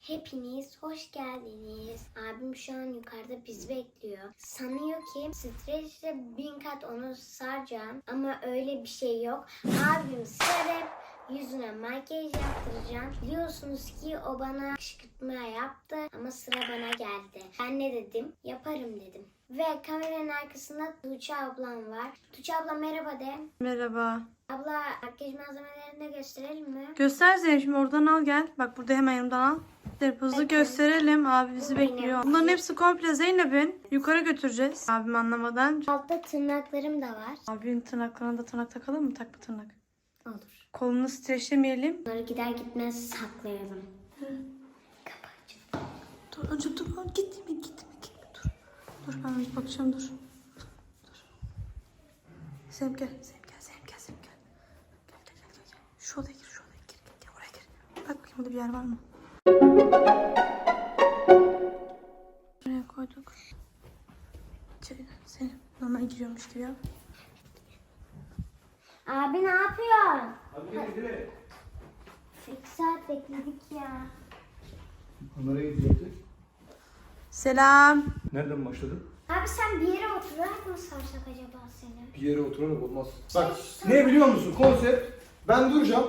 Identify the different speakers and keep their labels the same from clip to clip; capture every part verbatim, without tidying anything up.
Speaker 1: Hepiniz hoş geldiniz. Abim şu an yukarıda bizi bekliyor. Sanıyor ki streçle bin kat onu saracağım. Ama öyle bir şey yok. Abim sarıp yüzüne makyaj yaptıracağım. Biliyorsunuz ki o bana kışkırtma yaptı ama sıra bana geldi. Ben ne dedim? Yaparım dedim. Ve kameranın arkasında Tuğçe ablam var. Tuğçe abla merhaba de.
Speaker 2: Merhaba.
Speaker 1: Abla makyaj malzemelerini de gösterelim mi?
Speaker 2: Göster Zeynep, şimdi oradan al gel. Bak burada hemen yanımdan al. Zeynep hızlı
Speaker 1: Bakın.
Speaker 2: gösterelim. Abi bizi
Speaker 1: Bu benim.
Speaker 2: bekliyor. Bunların hepsi komple Zeynep'in. Yukarı götüreceğiz. Abim anlamadan.
Speaker 1: Altta tırnaklarım da var.
Speaker 2: Abinin tırnaklarına da tırnak takalım mı? Takma tırnak.
Speaker 1: Olur.
Speaker 2: Kolunu streçlemeyelim.
Speaker 1: Bunları gider gitmez saklayalım. Kapı açık.
Speaker 2: Dur önce dur. Gitme gitme gitme dur. Dur ben bir bakacağım dur. Dur. Zeynep gel. Zeynep gel. Zeynep gel. Zeynep gel. Gel gel gel. gel. Şu odaya gir. Şu odaya gir. Gel, gel oraya gir. Bak bakayım burada bir yer var mı? Buraya koyduk. İçeri Zeynep normal giriyormuş gibi yap.
Speaker 1: Abi ne yapıyorsun?
Speaker 3: Abi gel gel.
Speaker 1: İki saat bekledik ya.
Speaker 3: Kameraya gidecektik.
Speaker 2: Selam.
Speaker 3: Nereden başladın?
Speaker 1: Abi sen bir yere oturarak mı sarsak acaba seni?
Speaker 3: Bir yere oturarak olmaz. Bak ne biliyor musun konsept? Ben duracağım.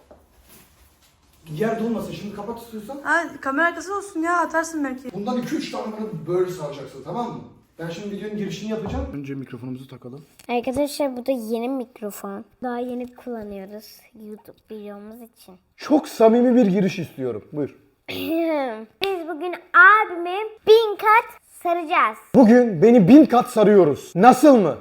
Speaker 3: Yer dolmasın, şimdi kapat istiyorsan.
Speaker 2: Ha, kamera arkası olsun ya, atarsın belki.
Speaker 3: Bundan iki üç tane bana böyle saracaksın, tamam mı? Ben şimdi videonun girişini yapacağım. Önce mikrofonumuzu takalım.
Speaker 1: Arkadaşlar bu da yeni mikrofon. Daha yeni kullanıyoruz YouTube videomuz için.
Speaker 3: Çok samimi bir giriş istiyorum. Buyur.
Speaker 1: Biz bugün abimi bin kat saracağız.
Speaker 3: Bugün beni bin kat sarıyoruz. Nasıl mı?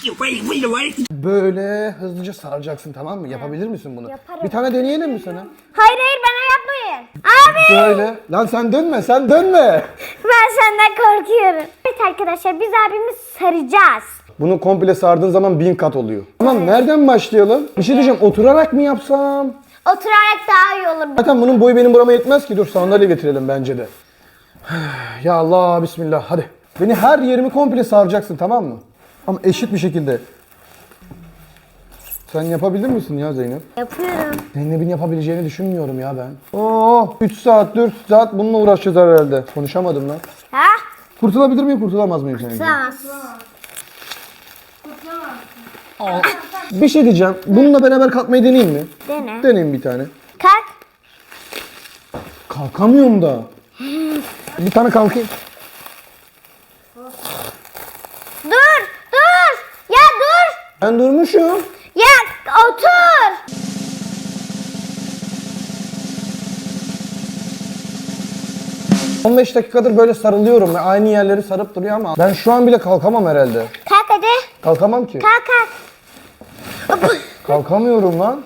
Speaker 3: Böyle hızlıca saracaksın, tamam mı? Yapabilir misin bunu?
Speaker 1: Yaparım.
Speaker 3: Bir tane deneyelim mi sana?
Speaker 1: Hayır hayır bana yapmayın. Abi
Speaker 3: Böyle. Lan sen dönme, sen dönme.
Speaker 1: ben senden korkuyorum. Evet arkadaşlar biz abimi saracağız.
Speaker 3: Bunu komple sardığın zaman bin kat oluyor. Tamam, nereden başlayalım? Bir şey diyeceğim, oturarak mı yapsam?
Speaker 1: Oturarak daha iyi olur.
Speaker 3: Zaten bunun boyu benim burama yetmez ki. Dur sandalye getirelim bence de. Ya Allah, bismillah, hadi. Beni her yerimi komple saracaksın, tamam mı? Ama eşit bir şekilde. Sen yapabilir misin ya Zeynep?
Speaker 1: Yapıyorum.
Speaker 3: Zeynep'in yapabileceğini düşünmüyorum ya ben. Oo, üç saat, dört saat bununla uğraşacağız herhalde. Konuşamadım lan.
Speaker 1: Ha?
Speaker 3: Kurtulabilir miyim, kurtulamaz mıyım seninle?
Speaker 1: Tamam.
Speaker 3: Bir şey diyeceğim. Bununla beraber kalkmayı deneyeyim mi?
Speaker 1: Dene.
Speaker 3: Deneyeyim bir tane.
Speaker 1: Kalk.
Speaker 3: Kalkamıyorum da. Bir tane kalkayım.
Speaker 1: Dur. Dur. Ya dur.
Speaker 3: Ben durmuşum.
Speaker 1: Ya otur.
Speaker 3: on beş dakikadır böyle sarılıyorum ve aynı yerleri sarıp duruyor ama ben şu an bile kalkamam herhalde.
Speaker 1: Kalk hadi.
Speaker 3: Kalkamam ki.
Speaker 1: Kalk kalk.
Speaker 3: Kalkamıyorum lan.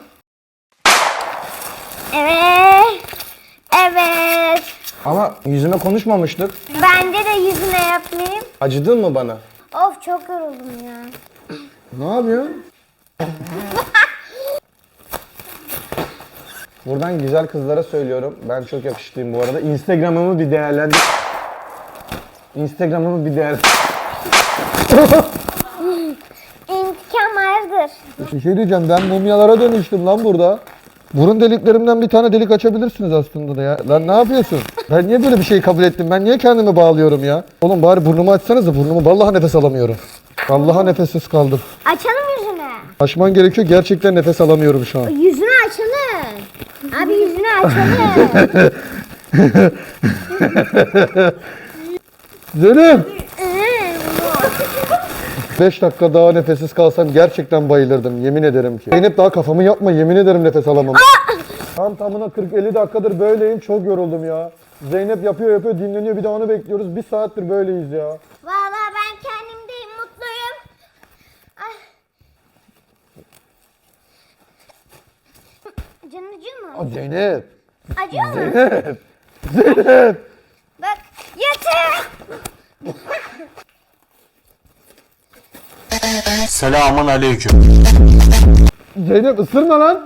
Speaker 1: Evet. Evet.
Speaker 3: Ama yüzüme konuşmamıştık.
Speaker 1: Bence de yüzüne yapmayayım.
Speaker 3: Acıdın mı bana?
Speaker 1: Of çok yoruldum ya.
Speaker 3: Ne yapıyorsun? Buradan güzel kızlara söylüyorum. Ben çok yakışıklıyım bu arada. Instagram'ımı bir değerlendir. Instagram'ımı bir değerlendir.
Speaker 1: İntikam vardır.
Speaker 3: Bir şey diyeceğim, ben mumyalara dönüştüm lan burada. Burun deliklerimden bir tane delik açabilirsiniz aslında da ya. Lan ne yapıyorsun? Ben niye böyle bir şey kabul ettim? Ben niye kendimi bağlıyorum ya? Oğlum bari burnumu açsanız da burnumu, vallahi nefes alamıyorum. Vallahi nefessiz kaldım.
Speaker 1: Açalım yüzünü.
Speaker 3: Açman gerekiyor, gerçekten nefes alamıyorum şu an.
Speaker 1: Yüzünü açalım. Abi yüzünü açalım.
Speaker 3: Zeynep! beş dakika daha nefessiz kalsam gerçekten bayılırdım, yemin ederim ki. Zeynep daha kafamı yapma, yemin ederim nefes alamam. Tam tamına kırk elli dakikadır böyleyim, çok yoruldum ya. Zeynep yapıyor yapıyor dinleniyor, bir de onu bekliyoruz. Bir saattir böyleyiz ya.
Speaker 1: Vallahi ben kendimdeyim, mutluyum. Ay. Canın acıyor mu?
Speaker 3: Aa, Zeynep!
Speaker 1: Acıyor mu?
Speaker 3: Zeynep! Zeynep!
Speaker 1: Bak yatır.
Speaker 4: Selamun aleyküm.
Speaker 3: Zeynep ısırma lan!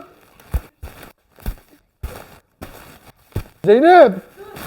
Speaker 3: Zeynep!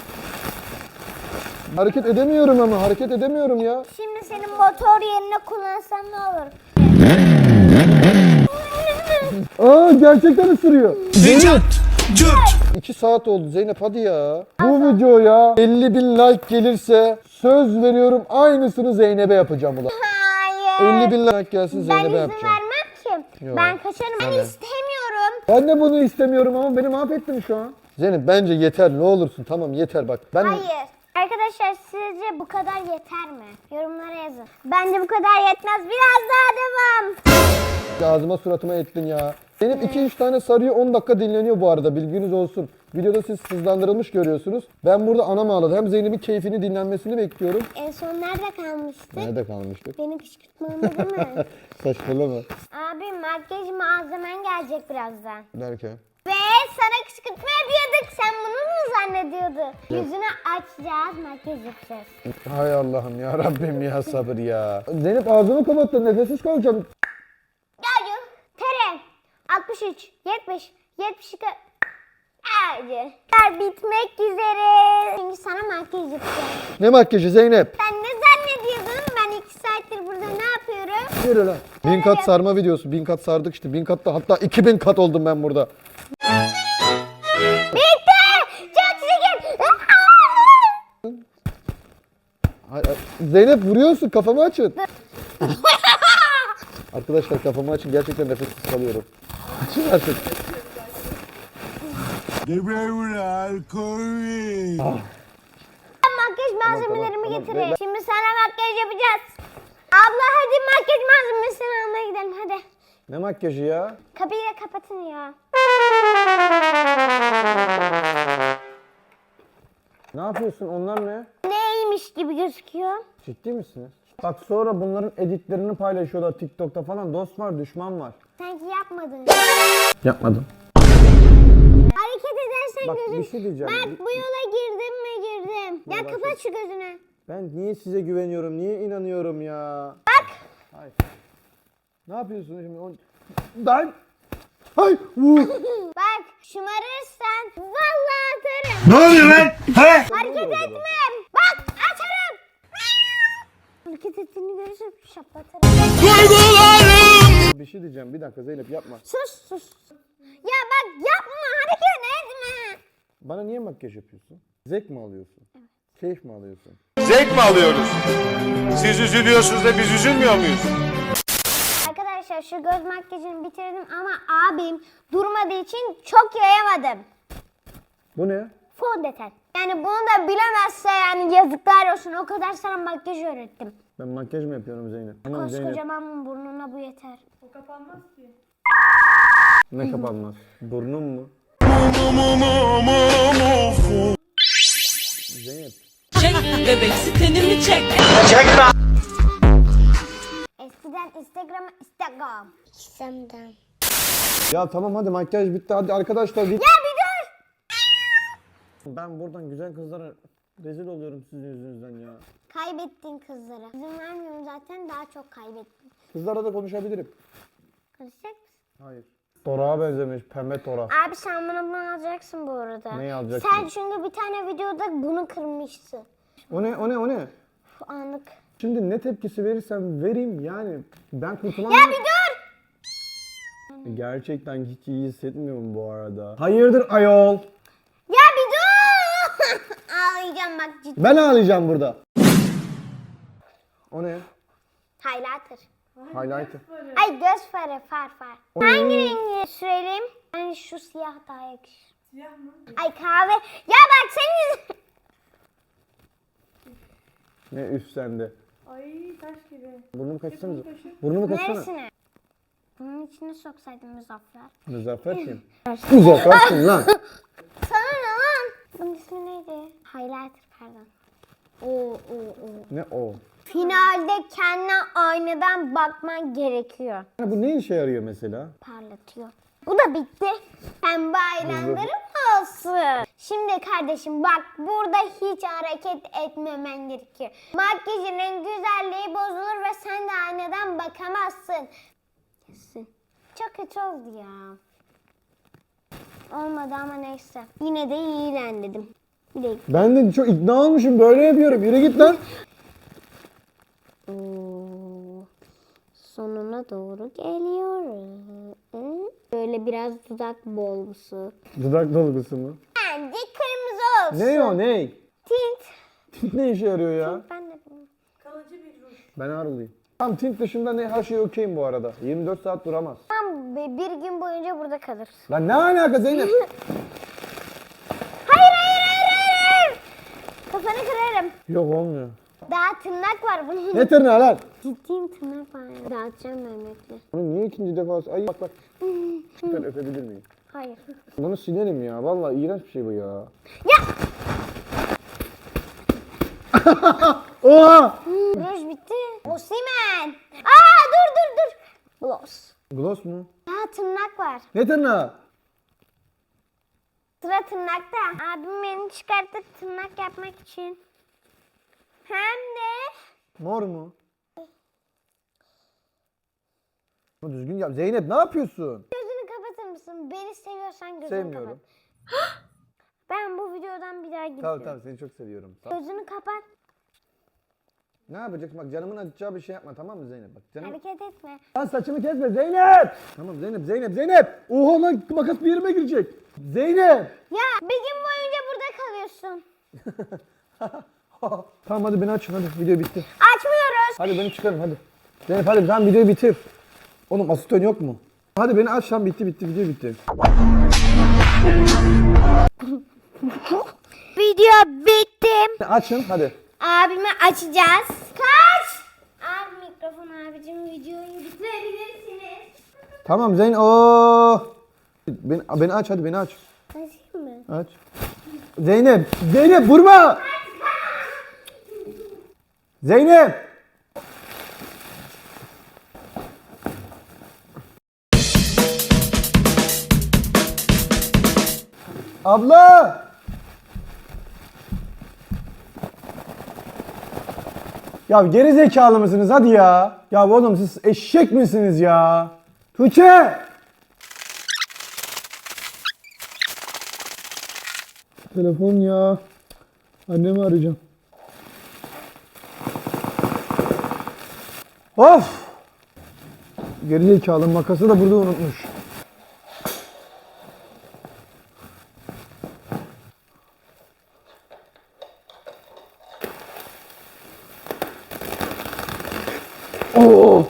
Speaker 3: Hareket edemiyorum ama, hareket edemiyorum ya.
Speaker 1: Şimdi senin motor yerine kullansam ne olur?
Speaker 3: Aa, gerçekten ısırıyor. Zeynep! iki saat oldu Zeynep hadi ya. Bu videoya elli bin like gelirse söz veriyorum aynısını Zeynep'e yapacağım ulan.
Speaker 1: Hayır.
Speaker 3: elli bin like gelsin
Speaker 1: Ben
Speaker 3: Zeynep'e
Speaker 1: izin
Speaker 3: yapacağım.
Speaker 1: vermem ki.
Speaker 3: Yok.
Speaker 1: Ben kaçarım. Ben
Speaker 3: Tamam.
Speaker 1: istemiyorum.
Speaker 3: Ben de bunu istemiyorum ama beni mahvettin şu an. Zeynep bence yeter ne olursun tamam yeter bak. Ben
Speaker 1: Hayır. Arkadaşlar sizce bu kadar yeter mi? Yorumlara yazın. Bence bu kadar yetmez. Biraz daha devam.
Speaker 3: ağzıma suratıma ettin ya. Zeynep iki üç tane sarıyor on dakika dinleniyor bu arada bilginiz olsun. Videoda siz hızlandırılmış görüyorsunuz. Ben burada anam ağladı. Hem Zeynep'in keyfini dinlenmesini bekliyorum.
Speaker 1: En son nerede kalmıştık?
Speaker 3: Nerede kalmıştık?
Speaker 1: Beni kışkırtmamı değil mi?
Speaker 3: Saçmalama.
Speaker 1: Abi makyaj malzemen gelecek birazdan.
Speaker 3: Derken.
Speaker 1: Ve sana kışkırtma yapıyorduk. Sen bunu mu zannediyordun? Yüzünü açacağız, makyaj yapacağız.
Speaker 3: Hay Allah'ım ya Rabbim ya sabır ya. Zeynep ağzımı kapattın nefessiz kalacağım.
Speaker 1: Geldim. Tere. altmış üç, yetmiş, yetmiş iki. Hadi. Bitmek üzere. Çünkü sana makyaj yapacağım.
Speaker 3: Ne makyajı Zeynep?
Speaker 1: Sen ne zannediyordun? Ben iki saattir burada ne yapıyorum?
Speaker 3: Yürü lan. Bin kat sarma videosu. Bin kat sardık işte. Bin katta hatta iki bin kat oldum ben burada.
Speaker 1: Bitti. Çok şükür.
Speaker 3: Hay- hay- Zeynep vuruyorsun kafamı açın. Arkadaşlar kafamı açın gerçekten nefessiz kalıyorum. Açın artık.
Speaker 1: Makyaj malzemelerimi
Speaker 3: tamam,
Speaker 1: getireyim.
Speaker 3: tamam.
Speaker 1: Şimdi sana makyaj yapacağız. Abla hadi makyaj malzemesini almaya gidelim hadi.
Speaker 3: Ne makyajı ya?
Speaker 1: Kapıyı da kapatın ya.
Speaker 3: Ne yapıyorsun? Onlar ne?
Speaker 1: Neymiş gibi gözüküyor.
Speaker 3: Ciddi misiniz? Bak sonra bunların editlerini paylaşıyorlar TikTok'ta falan. Dost var, düşman var.
Speaker 1: Sanki yapmadın.
Speaker 3: Yapmadım.
Speaker 1: Hareket edersen
Speaker 3: Bak
Speaker 1: gözün.
Speaker 3: bir şey diyeceğim.
Speaker 1: Bak bu yola girdim mi girdim. Ya
Speaker 3: bak-
Speaker 1: kapat şu gözünü.
Speaker 3: Ben niye size güveniyorum? Niye inanıyorum ya?
Speaker 1: Bak.
Speaker 3: Hayır. Ne yapıyorsun şimdi? O- Ben... Hay! Vuh!
Speaker 1: Bak şımarırsan vallahi atarım.
Speaker 4: Ne oluyor lan? He?
Speaker 1: Hareket etmem. Bak atarım. Hareket ettiğini görürsem şaplatırım.
Speaker 3: Bir şey diyeceğim. Bir dakika Zeynep yapma.
Speaker 1: Sus sus. Ya bak yapma hareket etme.
Speaker 3: Bana niye makyaj yapıyorsun? Zevk mi alıyorsun? Keyif mi alıyorsun?
Speaker 4: Zevk mi alıyoruz? Siz üzülüyorsunuz da biz üzülmüyor muyuz?
Speaker 1: Arkadaşlar şu göz makyajını bitirdim ama abim durmadığı için çok yayamadım.
Speaker 3: Bu ne?
Speaker 1: Fondöten. Yani bunu da bilemezse yani yazıklar olsun. O kadar sana makyaj öğrettim.
Speaker 3: Ben makyaj mı yapıyorum Zeynep? Tamam Zeynep.
Speaker 1: Koskocaman burnuna bu yeter.
Speaker 3: Ne kapanmaz? Burnum mu? Zeynep.
Speaker 5: Çek bebek sitenimi çek.
Speaker 1: Eskiden Instagram, Instagram. Instagram.
Speaker 3: Ya tamam hadi makyaj bitti hadi arkadaşlar git.
Speaker 1: Ya bir dur.
Speaker 3: Ben buradan güzel kızlara rezil oluyorum sizin yüzünüzden ya.
Speaker 1: Kaybettin kızları. İzin vermiyorum zaten daha çok kaybettin.
Speaker 3: Kızlara da konuşabilirim.
Speaker 1: Konuşacak mısın?
Speaker 3: Hayır. Torağa benzemiş pembe torak.
Speaker 1: Abi sen bana bunu alacaksın bu arada.
Speaker 3: Neyi alacaksın?
Speaker 1: Sen çünkü bir tane videoda bunu kırmışsın.
Speaker 3: O ne o ne o ne?
Speaker 1: Şu anlık.
Speaker 3: Şimdi ne tepkisi verirsem vereyim yani ben kurtulamam.
Speaker 1: Ya bir dur.
Speaker 3: Gerçekten hiç iyi hissetmiyorum bu arada. Hayırdır ayol?
Speaker 1: Ya bir dur. Ağlayacağım bak ciddi.
Speaker 3: Ben ağlayacağım burada. O ne?
Speaker 1: Highlighter.
Speaker 3: Highlighter.
Speaker 1: Ay göz farı far far. Hangi rengi sürelim? Hani şu siyah daha yakışır. Siyah mı? Ay kahve. Ya bak senin
Speaker 3: Ne üf sende.
Speaker 6: Ay taş gibi.
Speaker 3: Burnumu kaçsanıza. Burnumu kaçsana.
Speaker 1: neresine? Bunun içine soksaydım Muzaffer.
Speaker 3: Muzaffer kim? Muzaffer kim lan?
Speaker 1: Sana ne lan? Bunun ismi neydi? Highlighter pardon. Oo oo oo.
Speaker 3: Ne o?
Speaker 1: Finalde kendine aynadan bakman gerekiyor.
Speaker 3: Ya bu ne işe yarıyor mesela?
Speaker 1: Parlatıyor. Bu da bitti. Pembe eyelinerım olsun. Şimdi kardeşim bak burada hiç hareket etmemen gerekiyor. Makyajının güzelliği bozulur ve sen de aynadan bakamazsın. Kesin. Çok kötü oldu ya. Olmadı ama neyse. Yine de iyi ilerledim. Bir de
Speaker 3: Ben de çok ikna olmuşum böyle yapıyorum. Yürü git lan.
Speaker 1: Oo. sonuna doğru geliyoruz. Böyle biraz dudak bolgusu.
Speaker 3: Dudak dolgusu mu?
Speaker 1: Bence kırmızı olsun.
Speaker 3: Ne o ne?
Speaker 1: Tint.
Speaker 3: Ne işe yarıyor ya?
Speaker 1: Ben de bilmiyorum.
Speaker 3: Ben ağrılıyım. Tam tint dışında ne her şey okeyim bu arada. yirmi dört saat duramaz.
Speaker 1: Tamam be, bir gün boyunca burada kalır.
Speaker 3: Lan ne alaka Zeynep?
Speaker 1: Hayır hayır hayır hayır. Kafanı kırarım.
Speaker 3: Yok olmuyor.
Speaker 1: Daha tırnak var bunun.
Speaker 3: Ne tırnağı lan?
Speaker 1: Ciddiyim tırnak var. Dağıtacağım Mehmet'le.
Speaker 3: Bunu niye ikinci defa... Ay bak bak. Ben öpebilir miyim?
Speaker 1: Hayır.
Speaker 3: Bunu silelim ya. Vallahi iğrenç bir şey bu ya.
Speaker 1: Ya!
Speaker 3: Oha!
Speaker 1: Ruj bitti. Osimen. Aa dur dur dur. Gloss.
Speaker 3: Gloss mu?
Speaker 1: Daha tırnak var.
Speaker 3: Ne tırnağı?
Speaker 1: Sıra tırnakta. Abim beni çıkartıp tırnak yapmak için. Hem de
Speaker 3: Mor mu? Ama düzgün yap. Zeynep ne yapıyorsun?
Speaker 1: gözünü kapatır mısın? Beni seviyorsan gözünü
Speaker 3: Sevmiyorum.
Speaker 1: kapat. Ben bu videodan bir daha gidiyorum.
Speaker 3: Tamam tamam seni çok seviyorum. Tamam.
Speaker 1: Gözünü kapat.
Speaker 3: Ne yapacaksın? Bak canımın acıtacağı bir şey yapma tamam mı Zeynep? Bak canım...
Speaker 1: Hareket etme.
Speaker 3: Lan saçımı kesme Zeynep! Tamam Zeynep Zeynep Zeynep! Oha lan makas bir yerime girecek. Zeynep!
Speaker 1: Ya bir gün boyunca burada kalıyorsun.
Speaker 3: Tamam hadi beni açın hadi video bitti.
Speaker 1: Açmıyoruz.
Speaker 3: Hadi beni çıkarın hadi. Zeynep hadi sen videoyu bitir. Oğlum asistan yok mu? Hadi beni aç lan bitti bitti video bitti.
Speaker 1: Video bitti.
Speaker 3: Açın hadi.
Speaker 1: Abimi açacağız. Kaç. Abi mikrofon abicim videoyu bitirebilirsiniz.
Speaker 3: Tamam Zeyn Oo. Beni, beni aç hadi beni aç.
Speaker 1: Açayım mı?
Speaker 3: Aç. Zeynep! Zeynep vurma! Zeynep! Abla! Ya geri zekalı mısınız hadi ya? Ya oğlum siz eşek misiniz ya? Tuğçe! Telefon ya. Annemi arayacağım. Of! Gerizekalı makası da burada unutmuş. Oo!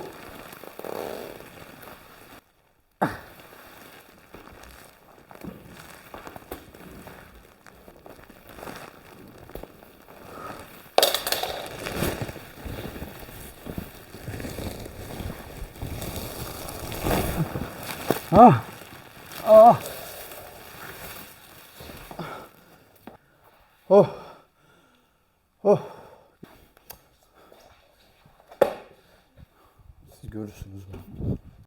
Speaker 3: Ah. Ah. Oh. Oh. Siz görürsünüz bunu.